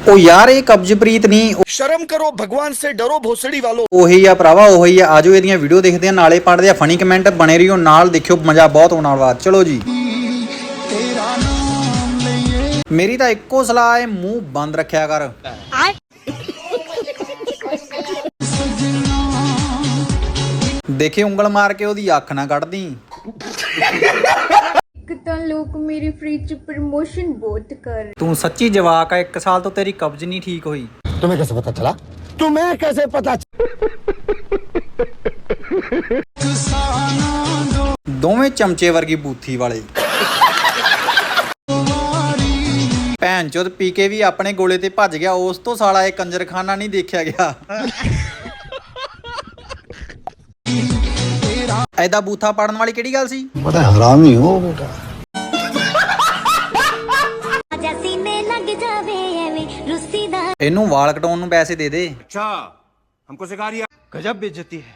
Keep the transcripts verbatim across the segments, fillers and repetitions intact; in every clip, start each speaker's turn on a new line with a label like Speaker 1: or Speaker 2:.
Speaker 1: ਉਹ ਯਾਰ ਇਹ ਕਬਜ਼ਪ੍ਰੀਤ ਨਹੀਂ,
Speaker 2: शर्म करो, भगवान से डरो भोसड़ी वालों।
Speaker 1: ਉਹੀ ਆ ਭਰਾਵਾ, ਉਹੀ ਆ। ਆਜੋ ਇਹਦੀਆਂ ਵੀਡੀਓ ਦੇਖਦੇ ਆ, ਨਾਲੇ ਪੜ੍ਹਦੇ ਆ ਫਨੀ ਕਮੈਂਟ। ਬਣੇ ਰਹੀਓ ਨਾਲ, ਦੇਖਿਓ ਮਜ਼ਾ ਬਹੁਤ ਆਉਣ ਵਾਲਾ। ਚਲੋ ਜੀ। ਮੇਰੀ ਤਾਂ ਇੱਕੋ ਸਲਾਹ ਹੈ, ਮੂੰਹ ਬੰਦ ਰੱਖਿਆ ਕਰ। ਦੇਖੇ ਉਂਗਲ ਮਾਰ ਕੇ ਉਹਦੀ ਅੱਖ ਨਾ ਕੱਢਦੀ।
Speaker 3: ਤਾਂ ਲੋਕ ਮੇਰੀ ਫ੍ਰੀ ਚ ਪ੍ਰਮੋਸ਼ਨ ਬਹੁਤ ਕਰ।
Speaker 1: ਤੂੰ ਸੱਚੀ ਜਵਾਕ ਆ, ਇੱਕ ਸਾਲ ਤੋਂ ਤੇਰੀ ਕਬਜ਼ ਨਹੀਂ ਠੀਕ ਹੋਈ।
Speaker 2: तुम्हें कैसे पता चला? तुम्हें कैसे पता?
Speaker 1: ਦੋਵੇਂ ਚਮਚੇ ਵਰਗੀ ਬੂਥੀ ਵਾਲੇ। ਭੈਣ ਚੋਦ ਪੀ ਕੇ ਵੀ ਆਪਣੇ ਗੋਲੇ ਤੇ ਭੱਜ ਗਿਆ, ਉਸ ਤੋਂ ਸਾਲਾ ਇਹ ਕੰਜਰਖਾਨਾ ਨਹੀਂ ਦੇਖਿਆ ਗਿਆ। ਐਦਾ ਬੂਥਾ ਪਾੜਨ ਵਾਲੀ ਕਿਹੜੀ ਗੱਲ ਸੀ?
Speaker 2: बड़ा हरामी हो बेटा।
Speaker 1: ਇਹਨੂੰ ਵਾਲ ਕਟਾਉਣ ਨੂੰ ਪੈਸੇ ਦੇ ਦੇ।
Speaker 2: अच्छा, हमको सिखा रही है। गजब बेइज्जती है।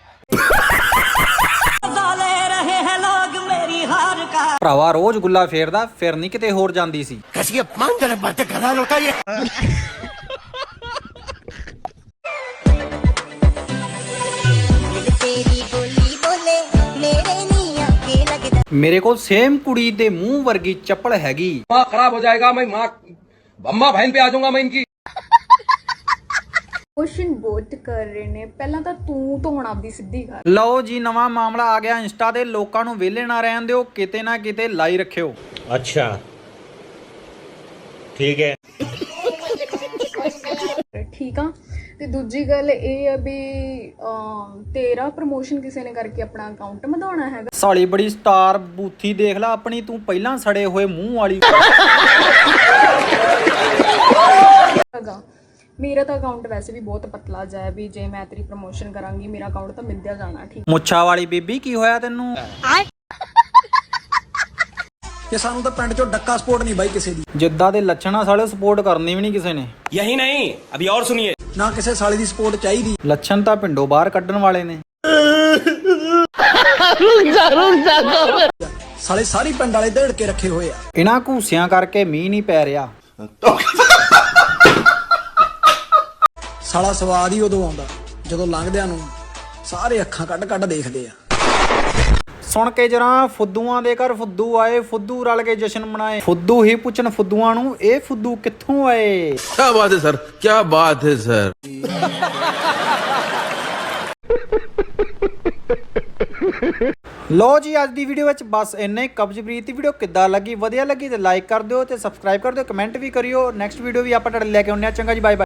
Speaker 1: ਭਰਾਵਾ ਰੋਜ਼ ਗੁੱਲਾ ਫੇਰਦਾ, ਫਿਰ ਨਹੀਂ ਕਿਤੇ ਹੋਰ ਜਾਂਦੀ ਸੀ।
Speaker 2: कैसी अपमानजनक बातें कर रहा लौटा ये।
Speaker 1: ਮੇਰੇ ਕੋਲ ਸੇਮ ਕੁੜੀ ਦੇ ਮੂੰਹ ਵਰਗੀ ਚੱਪਲ ਹੈਗੀ।
Speaker 4: माँ खराब हो जाएगा, मैं माँ अम्मा बहन पे आ जाऊंगा मैं इनकी।
Speaker 3: ਪ੍ਰਮੋਸ਼ਨ ਬਹੁਤ ਕਰ ਰਹੇ ਨੇ। ਪਹਿਲਾਂ ਤਾਂ ਤੂੰ ਧੋਣ ਆਪਦੀ ਸਿੱਧੀ ਕਰ।
Speaker 1: ਲਓ ਜੀ, ਨਵਾਂ ਮਾਮਲਾ ਆ ਗਿਆ ਇੰਸਟਾ ਤੇ। ਲੋਕਾਂ ਨੂੰ ਵਿਹਲੇ ਨਾ ਰਹਿਣ ਦਿਓ, ਕਿਤੇ ਨਾ ਕਿਤੇ ਲਾਈ ਰੱਖਿਓ।
Speaker 5: अच्छा ठीक है।
Speaker 3: ਠੀਕ ਆ। ਤੇ ਦੂਜੀ ਗੱਲ ਇਹ ਆ ਵੀ ਅਮ, ਤੇਰਾ ਪ੍ਰਮੋਸ਼ਨ ਕਿਸੇ ਨੇ ਕਰਕੇ ਆਪਣਾ ਅਕਾਊਂਟ ਵਧਾਉਣਾ ਹੈਗਾ।
Speaker 1: ਸਾਲੀ ਬੜੀ ਸਟਾਰ ਬੂਥੀ ਦੇਖ ਲੈ ਆਪਣੀ, ਤੂੰ ਪਹਿਲਾਂ ਸੜੇ ਹੋਏ ਮੂੰਹ ਵਾਲੀ।
Speaker 3: ਹੈਗਾ ਮੇਰਾ ਤਾਂ ਅਕਾਊਂਟ ਵੈਸੇ ਵੀ ਬਹੁਤ ਪਤਲਾ ਜਾਇਆ ਵੀ ਜੇ ਮੈਂ ਤੇਰੀ ਪ੍ਰਮੋਸ਼ਨ ਕਰਾਂਗੀ ਮੇਰਾ ਅਕਾਊਂਟ ਤਾਂ ਮਿਲਦਿਆ ਜਾਣਾ। ਠੀਕ
Speaker 1: ਮੁੱਛਾਂ ਵਾਲੀ ਬੀਬੀ, ਕੀ ਹੋਇਆ ਤੈਨੂੰ?
Speaker 6: ਕਿ ਸਾਨੂੰ ਤਾਂ ਪਿੰਡ ਚੋਂ ਡੱਕਾ ਸਪੋਰਟ ਨਹੀਂ ਬਾਈ ਕਿਸੇ ਦੀ।
Speaker 1: ਜਿੱਦਾਂ ਦੇ ਲੱਛਣਾ ਸਾਲੇ ਸਪੋਰਟ ਕਰਨੀ ਵੀ ਨਹੀਂ ਕਿਸੇ ਨੇ।
Speaker 5: यही नहीं, अभी और सुनिए।
Speaker 6: ਨਾ ਕਿਸੇ ਸਾਲੇ ਦੀ ਸਪੋਰਟ ਚਾਹੀਦੀ।
Speaker 1: ਲੱਛਣ ਤਾਂ ਪਿੰਡੋਂ ਬਾਹਰ ਕੱਢਣ ਵਾਲੇ ਨੇ।
Speaker 6: ਸਾਲੇ ਸਾਰੀ ਪਿੰਡ ਵਾਲੇ ਢੇੜ ਕੇ ਰੱਖੇ ਹੋਏ ਆ।
Speaker 1: ਇਹਨਾਂ ਘੂਸਿਆਂ ਕਰਕੇ ਮੀਂਹ ਨਹੀਂ ਪੈ ਰਿਹਾ।
Speaker 6: ਸਾਲਾ ਸਵਾਦ ਹੀ ਉਦੋਂ ਆਉਂਦਾ ਜਦੋਂ ਲੰਘਦਿਆਂ ਨੂੰ ਸਾਰੇ ਅੱਖਾਂ ਕੱਢ ਕੱਢ ਦੇਖਦੇ ਆ।
Speaker 1: ਸੁਣ ਕੇ ਜਰਾ, ਫੁੱਦੂਆਂ ਦੇ ਘਰ ਫੁੱਦੂ ਆਏ, ਫੁੱਦੂ ਰਲ ਕੇ ਜਸ਼ਨ ਮਨਾਏ। ਫੁੱਦੂ ਹੀ ਪੁੱਛਣ ਫੁੱਦੂਆਂ ਨੂੰ, ਇਹ ਫੁੱਦੂ ਕਿੱਥੋਂ ਆਏ?
Speaker 7: क्या बात है सर, क्या बात है सर।
Speaker 1: ਲੋ ਜੀ, ਅੱਜ ਦੀ ਵੀਡੀਓ ਵਿੱਚ ਬਸ ਇੰਨਾ ਹੀ। ਕਬਜ਼ਪ੍ਰੀਤ ਦੀ ਵੀਡੀਓ ਕਿੱਦਾਂ ਲੱਗੀ? ਵਧੀਆ ਲੱਗੀ ਤੇ ਲਾਈਕ ਕਰ ਦਿਓ ਤੇ ਸਬਸਕ੍ਰਾਈਬ ਕਰ ਦਿਓ, ਕਮੈਂਟ ਵੀ ਕਰਿਓ। ਨੈਕਸਟ ਵੀਡੀਓ ਵੀ ਆਪਾਂ ਤੁਹਾਡੇ ਲੈ ਕੇ ਆਉਂਦੇ ਆ। ਚੰਗਾ ਜੀ, ਬਾਏ ਬਾਏ।